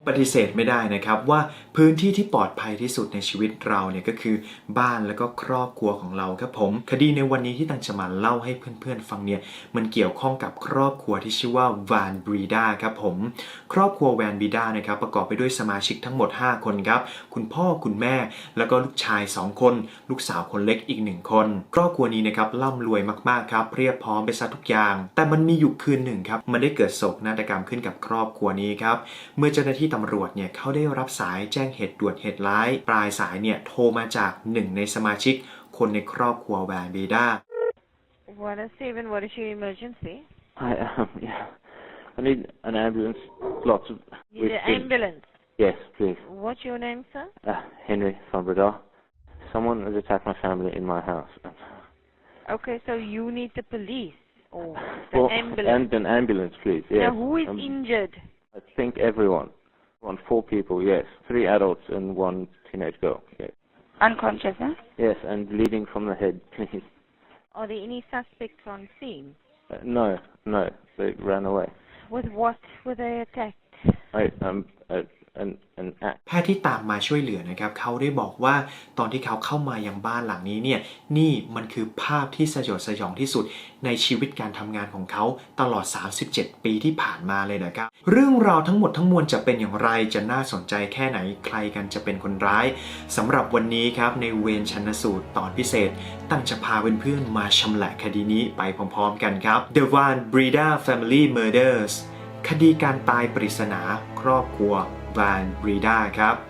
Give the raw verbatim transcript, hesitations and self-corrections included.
ปฏิเสธไม่ได้นะครับว่าพื้นที่ที่ปลอดภัยที่สุดในชีวิตเราเนี่ยก็คือบ้านแล้วก็ครอบครัวของเราครับผมคดีในวันนี้ที่ตังจะมาเล่าให้เพื่อนๆฟังเนี่ยมันเกี่ยวข้องกับครอบครัวที่ชื่อว่าแวนบรีดาครับผมครอบครัวแวนบรีดานะครับประกอบไปด้วยสมาชิกทั้งหมดห้าคนครับคุณพ่อคุณแม่แล้วก็ลูกชายสองคนลูกสาวคนเล็กอีกหนึ่งคนครอบครัวนี้นะครับร่ำรวยมากๆครับเรียบพร้อมไปซะทุกอย่างแต่มันมีอยู่คืนหนึ่งครับมันได้เกิดโศกนาฏกรรมขึ้นกับครอบครัวนี้ครับเมื่อเจ้าหน้าที่ตำรวจเนี่ยเขาได้รับสายแจ้งเหตุด่วนเหตุร้ายปลายสายเนี่ยโทรมาจากหนึ่งในสมาชิกคนในครอบครัวแวนบรีดา What is Steven? What is your emergency? I um yeah. I need an ambulance. Lots of. Need an ambulance. Yes, please. What's your name, sir? Uh, Henry van Breda. Someone has attacked my family in my house. Okay, so you need the police or the Well, ambulance. and an ambulance, please. Yes. Now, who is Um, injured? I think everyone. One, four people. Yes, three adults and one teenage girl. Yes. Unconscious, huh? Yes, and bleeding from the head, please. Are there any suspects on scene? Uh, no, no, they ran away. With what were they attacked? I um uh, an an axe. แพทย์ที่ตามมาช่วยเหลือนะครับเขาได้บอกว่าตอนที่เขาเข้ามายังบ้านหลังนี้เนี่ยนี่มันคือภาพที่สยดสยองที่สุดในชีวิตการทำงานของเขาตลอดสามสิบเจ็ดปีที่ผ่านมาเลยนะครับเรื่องราวทั้งหมดทั้งมวลจะเป็นอย่างไรจะน่าสนใจแค่ไหนใครกันจะเป็นคนร้ายสำหรับวันนี้ครับในเวรชันสูตรตอนพิเศษตั้งจะพาเพื่อนๆมาชำแหละคดีนี้ไปพร้อมๆกันครับ The Van Breda Family Murders คดีการตายปริศนาครอบครัวแวนบรีดาครับ